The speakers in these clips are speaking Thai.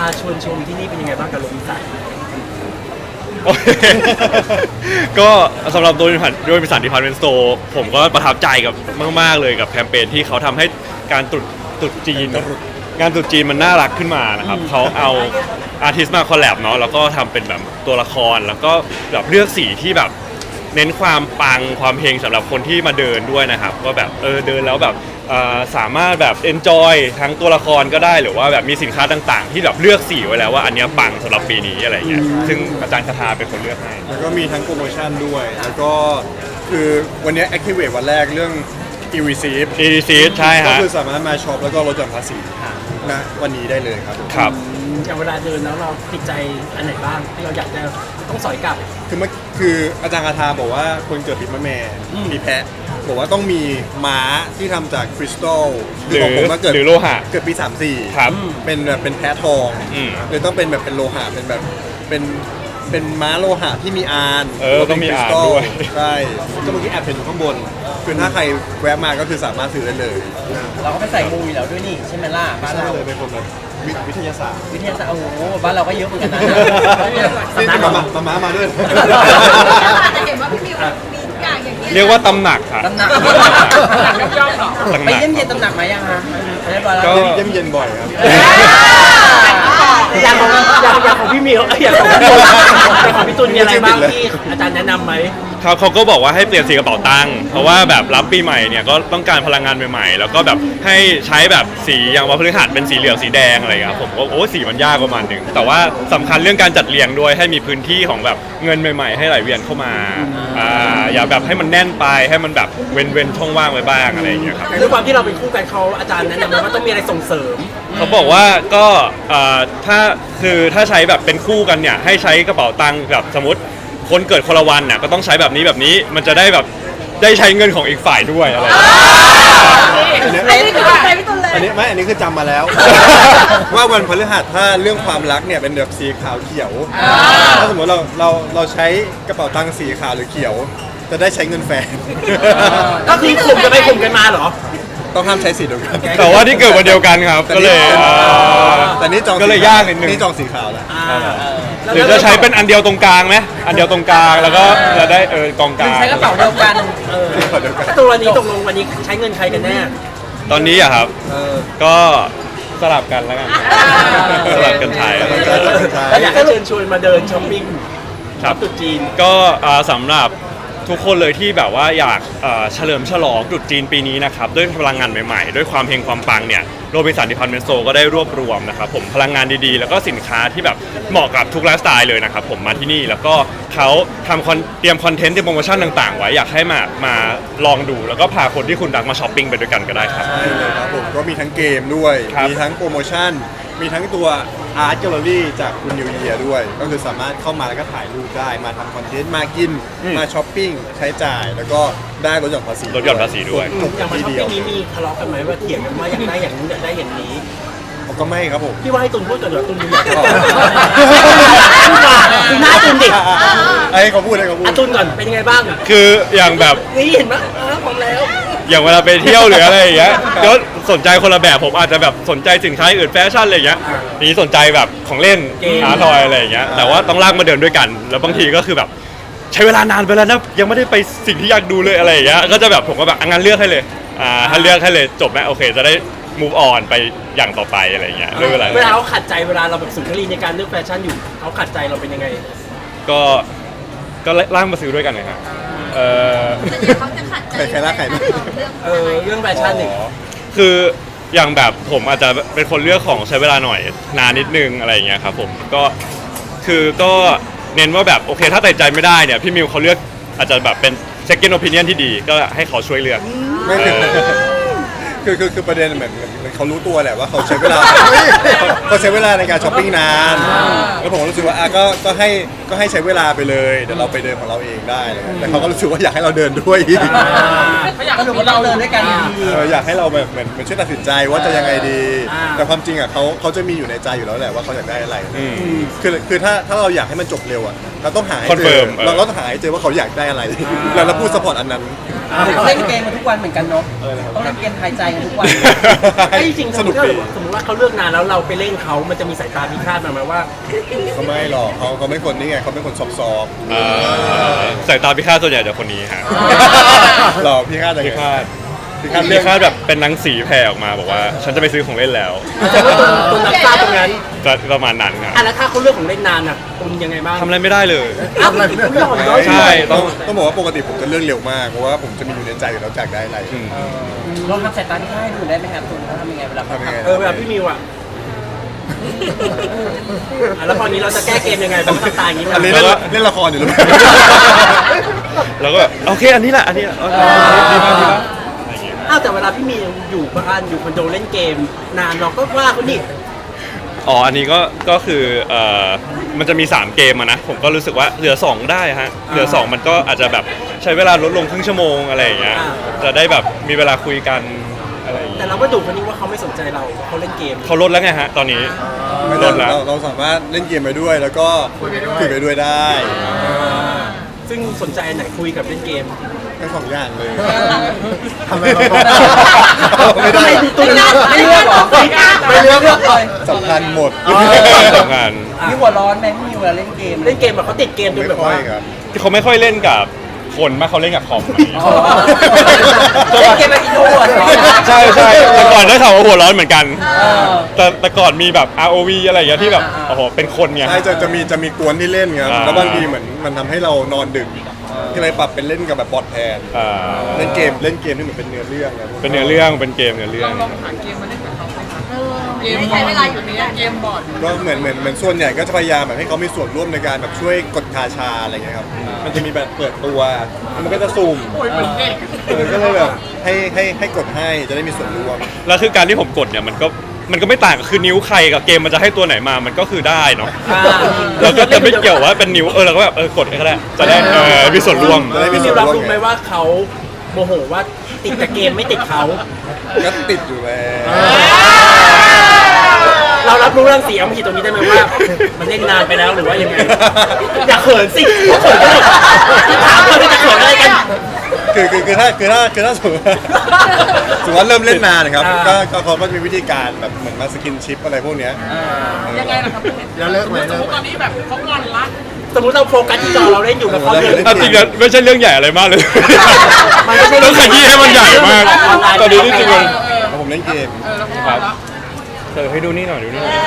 ชวนชมที่นี่เป็นยังไงบ้างกับโรบินสันก็สำหรับโดยบริษัทดิพาร์ตเมนต์สโตร์ผมก็ประทับใจกับมากๆเลยกับแคมเปญที่เขาทำให้การตรุษจีนงานตรุษจีนมันน่ารักขึ้นมานะครับเขาเอาอาร์ติสต์มาคอลแลบเนาะแล้วก็ทำเป็นแบบตัวละครแล้วก็แบบเลือกสีที่แบบเน้นความปังความเฮงสำหรับคนที่มาเดินด้วยนะครับก็แบบเดินแล้วแบบสามารถแบบ enjoy ทั้งตัวละครก็ได้หรือว่าแบบมีสินค้าต่างๆที่แบบเลือกสีไว้แล้วว่าอันเนี้ยปังสำหรับปีนี้อะไรเงี้ยซึ่งอาจารย์คาทาเป็นคนเลือกให้แล้วก็มีทั้งโปรโมชั่นด้วยแล้วก็คือวันนี้ Activate วันแรกเรื่อง e-receipt ใช่ก็ฮะคือสามารถมาช็อปแล้วก็ลดหย่อนภาษีณวันนี้ได้เลยครับครับอย่างเวลาเดินแล้วเราติดใจอันไหนบ้างที่เราอยากจะต้องสอยกลับคืออาจารย์คาทาบอกว่าคนเกิดปีมะแม่มีแพะบอกว่าต้องมีม้าที่ทำจากคริสตัลหรือของผมว่าเกิดหรือโลหะเกิดปี34 ครับเป็นแบบเป็นแพะทอง เลยต้องเป็นแบบเป็นโลหะเป็นแบบเป็นม้าโลหะที่มีอานต้องมีอานด้วยใช่ก็เมื่อกี้แอบเห็นอยู่ข้างบนคือถ้าใครแวะมาก็คือสามารถซื้อได้เลยเราก็ไปใส่มูอยู่แล้วด้วยนี่ใช่ไหมล่ะบ้านใช่เราเลยเป็นคนแบบวิทยาศาสตร์วิทยาศาสตร์โอ้โหบ้านเราก็เยอะเหมือนกันนะนี่มาด้วยจะเห็นว่าพี่มิวมีทุกอย่างอย่างนี้เรียกว่าตำหนักครับตำหนักย่อมๆหรอตำหไปนักเยี่ยมเยียนตำหนักมายังฮะเรียบร้อยแล้วก็เยี่ยมเย็นบ่อยครับอย่างของพี่มิวอย่างของพี่ตุลอย่างของพี่ตุลมีอะไรบ้างที่อาจารย์แนะนำไหมเขาก็บอกว่าให้เปลี่ยนสีกระเป๋าตังค์เพราะว่าแบบรับปีใหม่เนี่ยก็ต้องการพลังงานใหม่ๆแล้วก็แบบให้ใช้แบบสีอย่างวันพฤหัสเป็นสีเหลืองสีแดงอะไรอย่างเงี้ยผมก็โอ้สีมันยากประมาณหนึ่งแต่ว่าสำคัญเรื่องการจัดเรียงด้วยให้มีพื้นที่ของแบบเงินใหม่ๆให้ไหลเวียนเข้ามาอย่าแบบให้มันแน่นไปให้มันแบบเว้นช่องว่างไว้บ้างอะไรอย่างเงี้ยครับด้วยความที่เราเป็นคู่กันเขาอาจารย์แนะนำไหมว่าต้องมีอะไรส่งเสริมเขาบอกว่าก็ถ้าใช้แบบเป็นคู่กันเนี่ยให้ใช้กระเป๋าตังค์แบบสมมติคนเกิดคนละวันน่ะก็ต้องใช้แบบนี้มันจะได้แบบได้ใช้เงินของอีกฝ่ายด้วยอะไรอันนี้คือใจพี่ตุลเลยอันนี้คือจำมาแล้ว ว่าวันพฤหัสถ้าเรื่องความรักเนี่ยเป็นแบบสีขาวเขียวถ้าสมมติเราใช้กระเป๋าตังค์สีขาวหรือเขียว จะได้ใช้เงินแฟนก็คือข่มกันไปข่มกันมาเหรอต้องห้ามใช้สีเดียวกันแต่ว่าที่เกิดวันเดียวกันครับก็เลยแต่นี่จองก็เลยยากนิดนึงนี่จองสีขาวแล้วหรือจะใช้เป็นอันเดียวตรงกลางไหมอันเดียวตรงกลางแล้วก็จะได้กองกหรืลาอง ใช้กระเป๋าเดียวกันตัววันนี้ตกลงวันนี้ใช้เงินใครกันแน่ตอนนี้อะครับก็สลับกันแล้วกันสลับกันใช้แล้วอยากให้เชิญชวนมาเดินช้อปปิ้งครับตรุษจีนก็สำหรับทุกคนเลยที่แบบว่าอยากเฉลิมฉลองตรุษจีนปีนี้นะครับด้วยพลังงานใหม่ๆด้วยความเฮงความปังเนี่ยโรบินสันดิพาร์ตเมนต์สโตร์ก็ได้รวบรวมนะครับผมพลังงานดีๆแล้วก็สินค้าที่แบบเหมาะกับทุกไลฟ์สไตล์เลยนะครับผมมาที่นี่แล้วก็เขาเตรียมคอนเทนต์เตรียมโปรโมชั่นต่างๆไว้อยากให้มาลองดูแล้วก็พาคนที่คุณรักมาช้อปปิ้งไปด้วยกันก็ได้ครับใช่เลยครับผมก็มีทั้งเกมด้วยครับมีทั้งโปรโมชั่น มีทั้งตัวอาร์ตแกลเลอรี่จากคุณนิวเยียด้วย ก็คือสามารถเข้ามาแล้วก็ถ่ายรูปได้ มาทำคอนเทนต์ มากิน มาช้อปปิ้ง ใช้จ่าย แล้วก็ได้ลดหย่อนภาษีลดหย่อนภาษีด้วยจบอย่างมาทีช้อปเดียวปิ้งนี้มีทะเลาะกันไหมว่าเถียงกันว่าอยากได้อย่างนู้นอยากได้อย่างนี้ผมก็ไม่ครับผมพี่ว่าให้ตุนพูดก่อนเดี๋ยวตุนดูอยากอ๋อดูหน้าตุนดิไอ้เขาพูดไอ้เขาพูดอ่ะตุนก่อนเป็นยังไงบ้างคืออย่างแบบนี่เห็นไหมพร้อมแล้วอย่างเวลาไปเที่ยวหรืออะไรอย่างเงี้ยก็สนใจคนละแบบผมอาจจะแบบสนใจสินค้าอื่นแฟชั่นอะไรอย่างเงี้ยนี่สนใจแบบของเล่นเกมอาร์ทอยอะไรอย่างเงี้ยแต่ว่าต้องลากมาเดินด้วยกัน แล้วบางทีก็คือแบบใช้เวลานานไปแล้วนะยังไม่ได้ไปสิ่งที่อยากดูเลยอะไรอย่างเงี้ยก็จะแบบผมก็แบบงั้นเลือกให้เลยถ้าเลือกให้เลยจบไหมโอเคจะได้ move on ไปอย่างต่อไปอะไรอย่างเงี้ยเรื่องอะไรเวลาเขาขัดใจเวลาเราแบบสุนทรีในการเลือกแฟชั่นอยู่เขาขัดใจเราเป็นยังไงก็ล่างมาซื้อด้วยกันเลยครับแต่เดี๋ยวเขาจะขัดใจใครรักใครไม่เรื่องแฟชั่นนี่คืออย่างแบบผมอาจจะเป็นคนเลือกของใช้เวลาหน่อยนานนิดนึงอะไรอย่างเงี้ยครับผมก็เน้นว่าแบบโอเคถ้าตัดใจไม่ได้เนี่ยพี่มิวเขาเลือกอาจจะแบบเป็น second opinion ที่ดีก็ให้เขาช่วยเลือกไม่คือประเด็นเหมือนเขารู้ตัวแหละว่าเขาใช้เวลาเขาใช้เวลาในการช้อปปิ้งนานแล้วผมก็รู้สึกว่าก็ให้ใช้เวลาไปเลยเดี๋ยวเราไปเดินของเราเองได้เลยแต่เขาก็รู้สึกว่าอยากให้เราเดินด้วยสรุปว่าเราเดินด้วยกันดีอยากให้เราแบบเหมือนช่วยตัดสินใจว่าจะยังไงดี แต่ความจริงอ่ะเขาจะมีอยู่ในใจอยู่แล้วแหละว่าเขาอยากได้อะไรคือถ้าเราอยากให้มันจบเร็วอ่ะเราต้องหาให้เจอ Confirm เราต้องหาให้เจอว่าเขาอยากได้อะไรแล้วเราพูดสปอร์ตอันนั้นเล่นเกมกันทุกวันเหมือนกันเนาะต้องเล่นเกมทายใจกันทุกวันไอ้จริงๆสนุกดีสมมติว่าเขาเลือกนานแล้วเราไปเล่นเขามันจะมีสายตาพิฆาตมาไหมว่าเขาไม่หรอกเขาไม่คนนี่ไงเขาเป็นคนซอฟสายตาพิฆาตส่วนใหญ่จะคนนี้ฮะๆหรอพี่คาดอะไรพิฆาตพี่คาดพิเรื่องฆาตแบบเป็นหนังสีแผ่ออกมาบอกว่าฉันจะไปซื้อของเล่นแล้วอาจจะว่าตุนนักฆ่าตรงนั้นก็ประมาณนั้นครับอ่ะแล้วถ้าเขาเลือกของเล่นนานอ่ะตุนยังไงบ้างทำอะไรไม่ได้เลยอ้าวคุณหล่อนน้อยใช่ต้องบอกว่าปกติผมจะเรื่องเร็วมากเพราะว่าผมจะมีอยู่ในใจอยู่แล้วจากได้อะไรลองทำสายตาที่ให้ดูได้ไหมครับคุณเขาทำยังไงเวลาทำยังไงเวลาพี่มิวอ่ะแล้วพอนี้เราจะแก้เกมยังไงแบบทำตาอย่างนี้อันนี้มั้ยเล่นละครอยู่หรือเปล่าแล้วก็แบบโอเคอันนี้แหละอันนี้ดีมากดีมากอะไรอย่างเงี้ยอ้าวแต่เวลาพี่มิวอยู่บ้านอยู่คอนโดเล่นเกมนานเราก็ว่าเขานี่อ๋ออันนี้ก็คือมันจะมี3เกมอะนะผมก็รู้สึกว่าเหลือ2ได้ฮะเหลือ2มันก็อาจจะแบบใช้เวลาลดลงครึ่งชั่วโมงอะไรอย่างเงี้ยจะได้แบบมีเวลาคุยกันอะไรอย่างแต่เงี้ยเราก็ดูคนนี้ว่าเขาไม่สนใจเราเขาเล่นเกมเขาลดแล้วไงฮะตอนนี้ไม่ลได้ดแล้วเราสามารถเล่นเกมไปด้วยแล้วก็คุยไปด้วยได้ซึ่งสนใจอันไหนคุยกับเล่นเกมทั้งสองอย่างเลยทำไมไม่ได้ตุ้นไม่เลือกหรอไม่เลือกเลยสำคัญหมดสำคัญมีหัวร้อนไหมพี่มิวเวลาเล่นเกมเล่นเกมแบบเขาติดเกมจนไม่แบบค่อว่ายครับที่เขาไม่ค่อยเล่นกับคนมากเขาเล่นกับคอมเล่นเกมแบบอินโทรเวิร์ดเหรอใช่ใช่แต่ก่อนได้ข่าวว่าหัวร้อนเหมือนกัน แต่ก่อนมีแบบ ROV อะไรอย่างเงี้ยที่แบบโอ้โหเป็นคนไงใช่จะมีกวนที่เล่นครับ แล้วบางทีเหมือนมันทำให้เรานอนดึกก็เลยปรับเป็นเล่นกับแบบบอทแทนอ่าเล่นเกมที่เหมือนเป็นเนื้อเรื่องนะเป็นเนื้อเรื่องเป็นเกมเนื้อเรื่องไม่ใช้เวลาอยู่ในเกมบอร์ดก็เหมือนส่วนใหญ่ก็จะพยายามแบบให้เขามีส่วนร่วมในการแบบช่วยกดคาชาอะไรเงี้ยครับ มันจะมีแบบเปิดตัวแล้วมันก็จะสุ่มก็เลยแบบให้กดให้จะได้มีส่วนร่วมแล้วคือการที่ผมกดเนี่ยมันก็ไม่ต่างกับคือนิ้วใครกับเกมมันจะให้ตัวไหนมามันก็คือได้เนาะเราก็จะไม่เกี่ยวว่าเป็นนิ้วเราก็แบบกดก็ได้จะได้มีส่วนร่วมจะได้มีพี่ส่มิวนวรับร่วมรู้ไหมว่าเขาโมโหว่าติดแต่เกมไม่ติดเขาก็ติดอยู่แล้วเรารับรู้เรื่องเสียงผิดตรงนี้ได้ไหมว่า มันเล่นนานไปแล้วหรือว่ายังไงอย่าเขินสิเพราะเขินก็เลยถามว่าจะเขินอะไรกันคือถ้าสมมติว่าเริ่มเล่นนานนะครับก็เขาก็จะมีวิธีการแบบเหมือนมาสกินชิปอะไรพวกเนี้ยยังไงล่ะครับแล้วเลิกไหมเลิกไหมตอนนี้แบบเขางอนละสมมติเราโฟกัสที่จอเราเล่นอยู่กับเขาเลยอ่ะจริงๆไม่ใช่เรื่องใหญ่อะไรมากเลยมันไม่ใช่เรื่ต้ออง งขยี้ให้มันใหญ่มากตอนนี้ที่จริงมันผมเล่นเกมครับให้ดูนี่หน่อยดูนี่หน่อย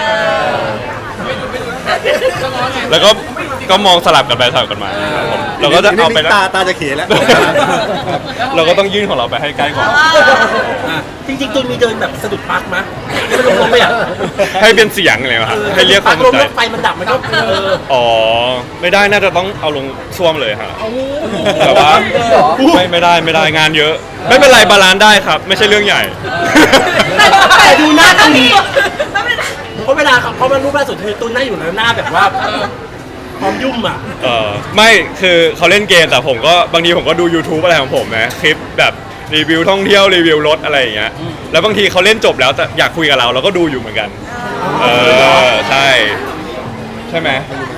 แล้วก็มองสลับกันไปสลับกันมาครับผมเราก็จะเอาไปแล้วตาจะเขแล้วเราก็ต้องยื่นของเราไปให้ใกล้กว่าอ่ะจริงๆตัวมีเดินแบบสะดุดปลั๊กมั้ยไม่ลงไปอ่ะให้เป็นเสียงเลยครับให้เรียกความสลนมใจแล้วไฟมันดับมันก็อ๋อไม่ได้น่าจะต้องเอาลงซ่วมเลยฮะแต่ว่าไม่ได้งานเยอะ ไม่เป็นไรบาลานซ์ได้ครับ ไม่ใช่เรื่องใหญ่แต่ดูหน้าตรงนี้เพราะเวลาเขามารูปล่าสุดคือตูนหน้าอยู่แล้วหน้าแบบว่าพร้อมยุ่มอ่ะไม่คือเขาเล่นเกมแต่ผมก็บางทีผมก็ดู YouTube อะไรของผมนะคลิปแบบรีวิวท่องเที่ยวรีวิวรถอะไรอย่างเงี้ยแล้วบางทีเขาเล่นจบแล้วแต่อยากคุยกับเราก็ดูอยู่เหมือนกันใช่ไหม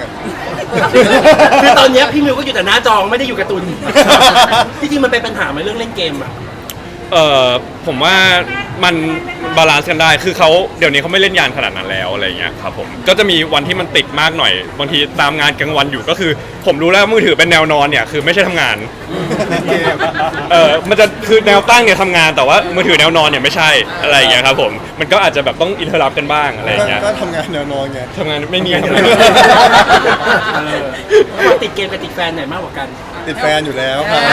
คือตอนเนี้ยพี่มิวก็อยู่แต่หน้าจอไม่ได้อยู่กับตุนที่จริงมันเป็นปัญหาไหมเรื่องเล่นเกมอ่ะผมว่ามันบาลานซ์กันได้คือเขาเดี๋ยวนี้เขาไม่เล่นยานขนาดนั้นแล้วอะไรเงี้ยครับผมก็จะมีวันที่มันติดมากหน่อยบางทีตามงานกลางวันอยู่ก็คือ ผมรู้แล้วมือถือเป็นแนวนอนเนี่ยคือไม่ใช่ทำงานมันจะคือแนวตั้งเนี่ยทำงานแต่ว่ามือถือแนวนอนเนี่ยไม่ใช่อะไรอย่างเงี้ยครับผมมันก็อาจจะแบบต้องอินเทอร์รับกันบ้างอะไรอย่างเงี้ยก็ทำงานแนวนอนไงทำงานไม่มีติดเกมกับติดแฟนไหนมากกว่ากันติดแฟนอยู่แล้วครับ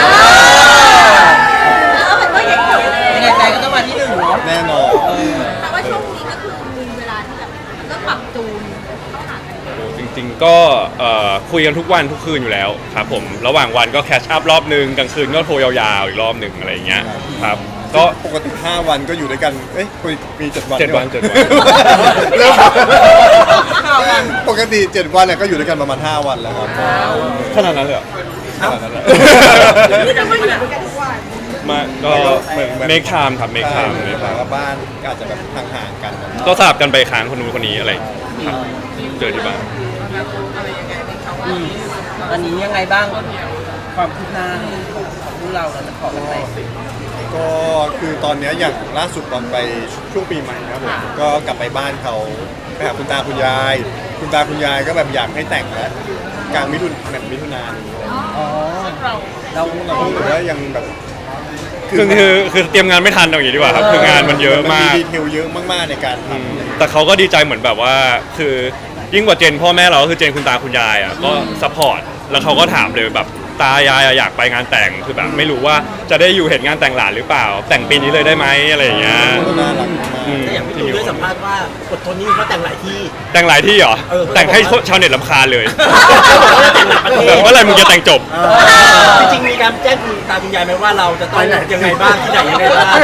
ยังไงใจก็ต้องมาที่หนึ่งเนาะแน่นอนแต่ว่าช่วงนี้ก็คือมีเวลาที่แบบก็ปรับจูนเข้าหากันจริงๆก็คุยกันทุกวันทุกคืนอยู่แล้วครับผมระหว่างวันก็แคชอัพรอบนึงกลางคืนก็โทรยาวๆอีกรอบนึงอะไรอย่างเงี้ยครับก็ปกติ5 วันก็อยู่ด้วยกัน เอ้ยมี7 วัน 7 วัน 7 วันเริ่มปกติ7 วันเนี่ยก็อยู่ด้วยกันประมาณ5 วันแล้วครับขนาดนั้นเลยเหรอขนาดนั้นเลยจะไม่อยู่ด้วยกันทุกวันมาก็เมคไทม์ครับเมคไทม์หลังกับบ้านก็อาจจะแบบห่างๆกันก็สลับกันไปค้างคนนู้นคนนี้อะไรครับเจอที่บ้านตอนนี้ยังไงบ้างความคืบหน้าเราจะขอกันไปก็คือตอนเนี้ยอย่างล่าสุดตอนไปช่วงปีใหม่นะครับผมก็กลับไปบ้านเขาไปหาคุณตาคุณยาย คุณตาคุณยายก็แบบอยากให้แต่งแล้วกลางมิถุนายนนี้อ๋อเราเราก็รู้สึกว่ายังแบบคือเตรียมงานไม่ทันเอาอย่างนี้ดีกว่าครับคืองานมันเยอะมากดีเทลเยอะมากๆในการทำแต่เขาก็ดีใจเหมือนแบบว่าคือยิ่งกว่าเจนพ่อแม่เราก็คือเจนคุณตาคุณยายอ่ะก็ซัพพอร์ตแล้วเขาก็ถามเลยแบบตายายอยากไปงานแต่งคือแบบไม่รู้ว่าจะได้อยู่เห็นงานแต่งหลานหรือเปล่า แต่งปีนี้เลยได้ไหมอะไรอย่างเงี้ยน่ารักมากอืมแต่อย่างพี่ตูนได้สัมภาษณ์ว่าอดทนนี่เขาแต่งหลายที่แต่งหลายที่เหรอเออแต่งให้ชาวเน็ตรำคาญเลยเขาจะแต่งหลายประเทศแบบเมื่อไหรมึงจะแต่งจบจริงๆมีการแจ้งคุณตาคุณยายไหมว่าเราจะต้องยังไงบ้างที่ไหนยังไงบ้าง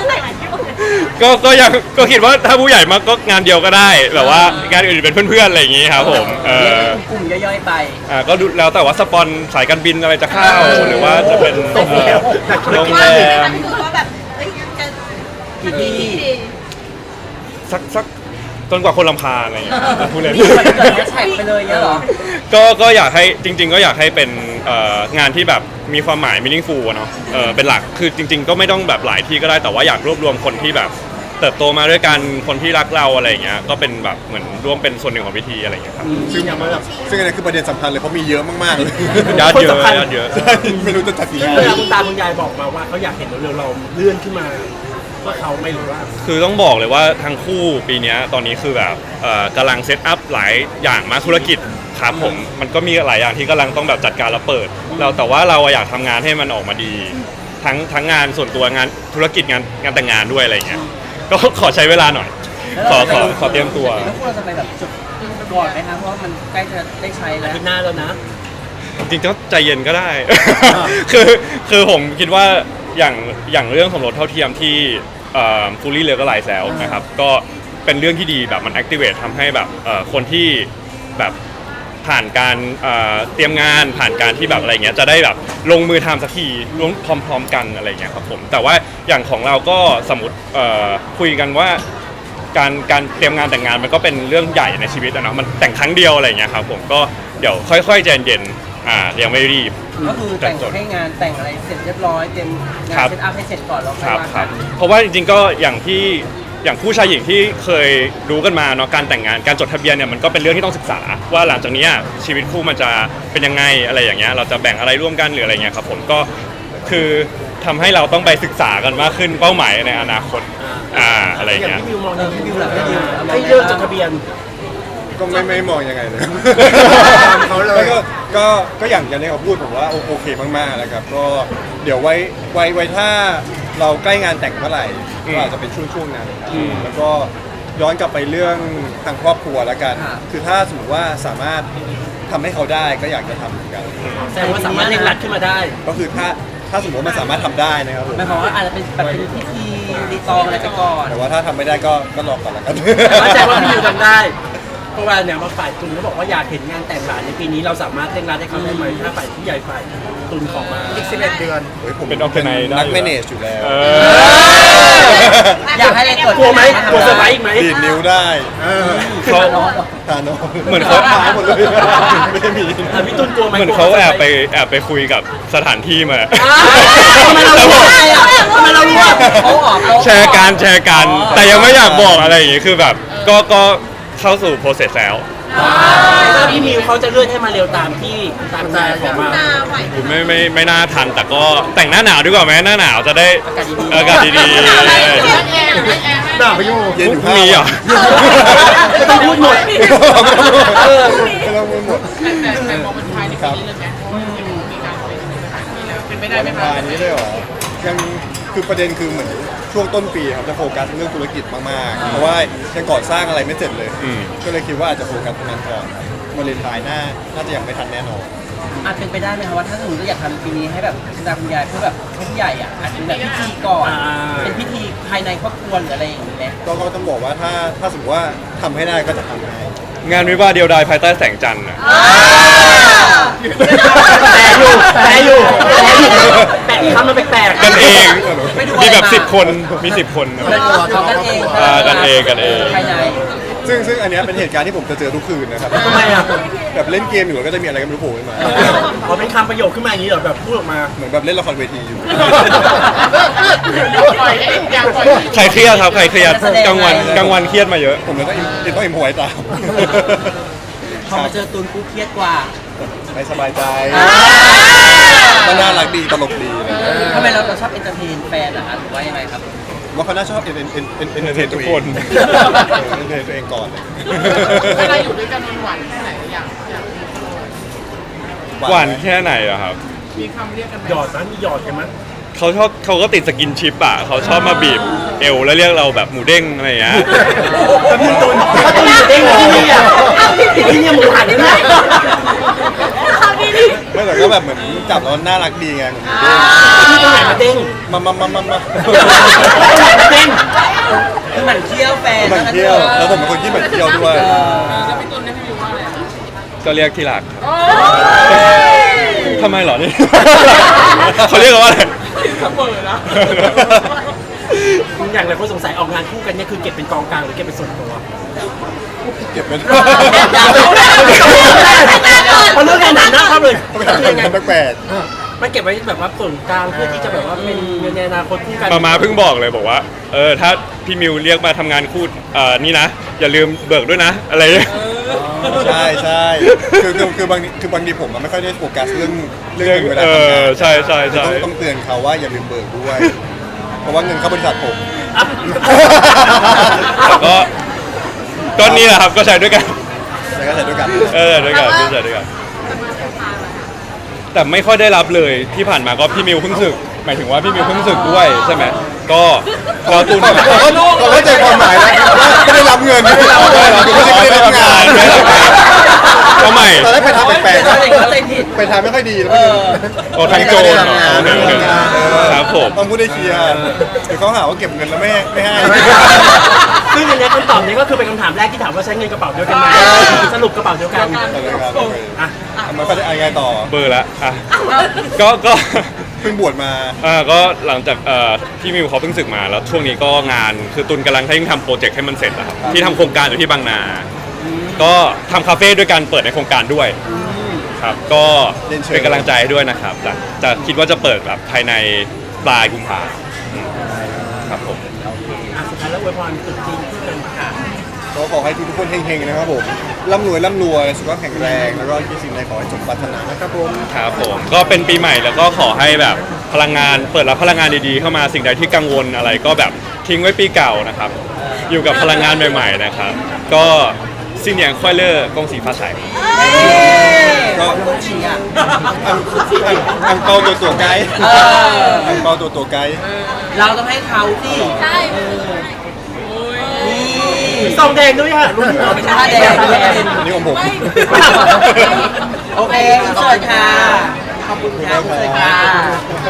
ก็คิดว่าถ้าผู้ใหญ่มาก็งานเดียวก็ได้แบบว่างานอื่นเป็นเพื่อนๆอะไรอย่างงี้ครับผมเรียกเป็นกลุ่มย่อยๆไปก็ดูแล้วแต่ว่าสปอนสายการบินอะไรจะเข้าหรือว่าจะเป็นโรงแรมคือว่าแบบเฮ้ยจะกี่ที่สักจนกว่าคนรำคาญอะไรอย่างเงี้ยพูดเลยนี่มันเกิดแฮชแท็กไปเลยเงี้ยเหรอก็อยากให้จริง ๆ ก็อยากให้เป็นงานที่แบบมีความหมาย meaningful อะเนาะเป็นหลักคือจริง ๆ ก็ไม่ต้องแบบหลายที่ก็ได้แต่ว่าอยากรวบรวมคนที่แบบเติบโตมาด้วยกันคนที่รักเราอะไรอย่างเงี้ยก็เป็นแบบเหมือนร่วมเป็นส่วนหนึ่งของพิธีอะไรอย่างเงี้ยครับซึ่งอันนี้คือประเด็นสำคัญเลยเพราะมีเยอะมากๆเลยญาติเยอะคนสำคัญญาติเยอะใช่ไม่รู้จะจัดกี่ซึ่งงานเวลาคุณตาคุณยายบอกมาว่าเขาอยากเห็นเร็วๆเราเลื่อนขึ้นมาว่าเขาไม่รู้ว่าคือต้องบอกเลยว่าทั้งคู่ปีเนี้ยตอนนี้คือแบบกำลังเซตอัพหลายอย่างมากธุรกิจครับผมมันก็มีหลายอย่างที่กำลังต้องแบบจัดการแล้วเปิดเราแต่ว่าเราอยากทำงานให้มันออกมาดี ทั้งงานส่วนตัวงานธุรกิจงานแต่งงานด้วยอะไรเงี้ยก็ขอใช้เวลาหน่อยขอเตรียมตัวแล้วพวกเราจะไปแบบจุดก่อนไหมคะเพราะว่ามันใกล้จะได้ใช้แล้วอาทิตย์หน้าแล้วนะจริงๆก็ใจเย็นก็ได้ คือผมคิดว่าอย่างเรื่องสมรสเท่าเทียมที่ฟูลี่เลยก็หลายแซวนะครับก็เป็นเรื่องที่ดีแบบมัน activate ทำให้แบบคนที่แบบผ่านการเตรียมงานผ่านการที่แบบอะไรเงี้ยจะได้แบบลงมือทำสักทีร่วมพร้อมๆกันอะไรเงี้ยครับผมแต่ว่าอย่างของเราก็สมมติคุยกันว่าการเตรียมงานแต่งงานมันก็เป็นเรื่องใหญ่ในชีวิตอะเนาะมันแต่งครั้งเดียวอะไรเงี้ยครับผมก็เดี๋ยวค่อยๆใจเย็นๆยังไม่รีบก็คือแต่งให้งานแต่งอะไรเสร็จเรียบร้อยเตรียมงานครับเซตอัพให้เสร็จก่อนแล้วค่คอยรับว่าครักับ นเพราะว่าจริงๆก็อย่างผู้ชายหญิงที่เคยรู้กันมาเนาะการแต่งงานการจดทะเบียนเนี่ยมันก็เป็นเรื่องที่ต้องศึกษาว่าหลังจากนี้ชีวิตคู่มันจะเป็นยังไงอะไรอย่างเงี้ยเราจะแบ่งอะไรร่วมกันหรืออะไรเงี้ยครับผมก็คือทำให้เราต้องไปศึกษากันมากขึ้นเป้าหมายในอนาคตอะไรอย่างเงี้ยพี่มิวมองในพี่มิวหลังพี่มิวให้เลิกจดทะเบียนก็ไม่มองยังไงเลยเขาเลยก็อย่างที่เขาพูดผมว่าโอเคมากๆแล้วครับก็เดี๋ยวไว้ถ้าเราใกล้งานแต่งเมื่อไหร่ก็อาจจะเป็นช่วงนั้นครับแล้วก็ย้อนกลับไปเรื่องทางครอบครัวแล้วกัน คือถ้าสมมติว่าสามารถทำให้เขาได้ก็อยากจะทำเหมือนกันแสดงว่าสามารถเร่งรัดขึ้นมาได้ก็คือถ้าสมมติว่ามันสามารถทำได้นะครับผมหมายความว่าอาจจะเป็นแบบเป็นพิธีรีตองอะไรไปก่อนแต่ว่าถ้าทำไม่ได้ก็รอก่อนละกันแต่ว่าแสดงว่าพี่มิวทำได้ เพราะว่าเนี่ยมาฝ่ายตุนเขาบอกว่าอยากเห็นงานแต่งหลานในปีนี้เราสามารถเร่งรัดให้เขาได้ไหมถ้าฝ่ายผู้ใหญ่ฝ่ายตุนขอมาอีก11 เดือนเฮ้ยผมเป็น organize ได้นักอยู่แมเนจอยู่แล้วอยากให้อะไรเกิดกลัวไหมกลัวเซอร์ไพรส์อีกไหมดีดนิ้วได้เขาทานอเหมือนเขาหายหมดเลยไม่ได้มีพี่ตุนกลัวไหมเหมือนเขาแอบไปคุยกับสถานที่มาทำไมเรารู้อ่ะทำไมเรารู้อ่ะเขาออกแชร์กันแต่ยังไม่อยากบอกอะไรอย่างงี้คือแบบก็เข้าสู่ process แล้วถ้าพี่มิวเขาจะเลื่อนให้มาเร็วตามที่ตามใจขอมาตาไหวผมไม่น่าทันแต่ก็แต่งหน้าหนาวดีกว่าไหมหน้าหนาวจะได้อากาศดีด่าไปอยู่เย็นอยู่พรุ่งนี้เหรอไม่ต้องพูดหมดไม่ต้องพูดหมดแต่มองเป็นภายในปีนี้เลยไหมเป็นไปได้ไหมวันคะวานนี้เลยเหรอยังคือประเด็นคือเหมือนช่วงต้นปีครับจะโฟกัสเรื่องธุรกิจมากๆ เพราะว่ายังก่อสร้างอะไรไม่เสร็จเลย ก็เลยคิดว่าอาจจะโฟกัสตรงนั้นก่อนวาเลนไทน์น่าจะยังไม่ทันแน่นอนอาจเป็นไปได้ไหมคะว่าถ้าสมมติเราอยากทำปีนี้ให้แบบคุณตาคุณยายเพื่อแบบให้ผู้ใหญ่อ่ะอาจจะเป็นแบบพิธีก่อน เป็นพิธีภายในครอบครัวหรืออะไรอย่างนี้ไหมก็ต้องบอกว่าถ้าสมมติว่าทำให้ได้ก็จะทำให้งานวิวาห์เดียวดายภายใต้แสงจันทร์อะแต่อยู่แต่อีกคำมันแปลกๆกันเองมีแบบ10 คนมี10 คนเขากันเองกันเองภายในซึ่งอันเนี้ยเป็นเหตุการณ์ที่ผมจะเจอทุกคืนนะครับทำไมอ่ะแบบเล่นเกมอยู่แล้วก็จะมีอะไรก็ไม่รู้โผล่ขึ้นมาอ๋อเป็นคำประโยคขึ้นมาอย่างนี้เหรอแบบพูดออกมาเหมือนแบบเล่นละครเวทีอยู่ปล่อยให้อยากปล่อยใครเครียดครับใครเครียดกลางวันเครียดมาเยอะผมเลยต้องอิมพอไว้ตามพอมาเจอตูนกูเครียดกว่าไม่สบายใจมันน่ารักดีตลกดีอะไรเงี้ยทำไมเราชอบเอนเตอร์เทนแฟนเหรอคะหรือว่ายังไงครับว่าเขาน่าชอบเอนเตอร์เทนทุทุกกคคน นเอนเตอร์เทนตัวเองก่อนเวลาอยู่ด้วยกันมันหวานแค่ไหนอยากหวานแค่ไหนอะครับมีคำเรียกกันไหมหยอดนะมีหยอดกันมั้ยเขาก็ติดสกินชิปอะเขาชอบมาบีบเอวแล้วเรียกเราแบบหมูเด้งอะไรอย่างเงี้ยแล้วพี่ตูนถ้าตูนอยู่เด้งที่นี่อ่ะที่นี่หมูหันนะไม่แต่ก็แบบเหมือนจับแล้วน่ารักดีไงเหมือนเด้งที่ตรงไหนมาเด้งมาเด้งคือหมันเที่ยวแฟนมันเที่ยวแล้วผมเป็นคนที่แบบเที่ยวด้วยแล้วพี่ตุลเนี่ยพี่วิวว่าอะไรอะก็เรียกที่รักทำไมเหรอนี่ เขาเรียกกันว่าอะไรเสมอนะอย่างไรคนสงสัยออกงานคู่กันเนี่ยคือเก็บเป็นกองกลางหรือเก็บเป็นส่วนตัวเก็บเป็นพอเรื่องงานหนักนะครับเลยเขาไปทำงานแปลกมันเก็บไว้แบบว่าส่วนกลางเพื่อที่จะแบบว่าเป็นเงินในอนาคตคู่กันมาเพิ่งบอกเลยบอกว่าถ้าพี่มิวเรียกมาทำงานคู่นี่นะ อย่าลืมเบิกด้วยนะ อะไรอย่างเงี้ยๆใช่คือบางทีผมไม่ค่อยได้โฟกัสเรื่องเงินเวลาเอทำงาอน ใช่ใช่ใช่ต้องเตือนเขาว่าอย่าลืมเบิกด้วย เพราะว่าเงินเข้าบริษัทผมก็นี่แหละครับก็ใช้ด้วยกันแล้วก็ใช้ด้วยกันด้วยกันใช้ด้วยกัน แต่ไม่ค่อยได้รับเลยที่ผ่านมาก็พี่มิวเพิ่งศึกหมายถึงว่าพี่มิวเพิ่งศึกด้วยใช่ไหมก็เราตูนเราเข้าใจความหมายแล้วไม่ได้รับเงินไม่ได้รับเงินไม่ได้รับงานก็ใหม่ตอนแรกไปทำแปลกๆนะเข้าใจผิดไปทำไม่ค่อยดีแล้วไม่ดีโอ้ทางโจรไม่ได้ทำงานโอเคครับผมต้องพูดได้เคลียร์เดี๋ยวเขาหาว่าเก็บเงินแล้วไม่ให้ซึ่งอันเนี้ยคำตอบนี้ก็คือเป็นคำถามแรกที่ถามว่าใช้เงินกระเป๋าเดียวกันไหมสรุปกระเป๋าเดียวกันอ่ะมันก็ได้อะไรต่อเบอร์ละอ่ะก็เพิ่งบวชมาก็หลังจากพี่มิวเขาเพิ่งศึกมาแล้วช่วงนี้ก็งานคือตุนกำลังให้ทำโปรเจกต์ให้มันเสร็จนะครับที่ทำโครงการอยู่ที่บางนา ก็ทำคาเฟ่ด้วยการเปิดในโครงการด้วยครับก็เป็นกำลังใจให้ด้วยนะครับจะคิดว่าจะเปิดแบบภายในปลายกุมภาพันธ์ครับผมสุดท้ายแล้วอวยพรตรุษจีนคู่กันค่ะก็ขอให้ทุกคนเฮงๆนะครับผมร่ำรวยสุขภาพแข็งแรงแล้วก็คิดสิ่งใดขอให้สมปรารถนานะครับผมครับผมก็เป็นปีใหม่แล้วก็ขอให้แบบพลังงานเปิดรับพลังงานดีๆเข้ามาสิ่งใดที่กังวลอะไรก็แบบทิ้งไว้ปีเก่านะครับ อยู่กับพลังงานใหม่ๆนะครับ ก็ซินเหนียงควายเลอร์กงสีฟ้าใสก็ต้องชี้อ่ะอังเปาตัวไกด์อังเปาตัวไกด์เราต้องให้เขาสิใช่นี่ซองแดงด้วยค่ะรุ่นไม่ใช่แดงนี่ของผมโอเคสวัสดีค่ะ ขอบคุณค่ะคุณเลยค่ะ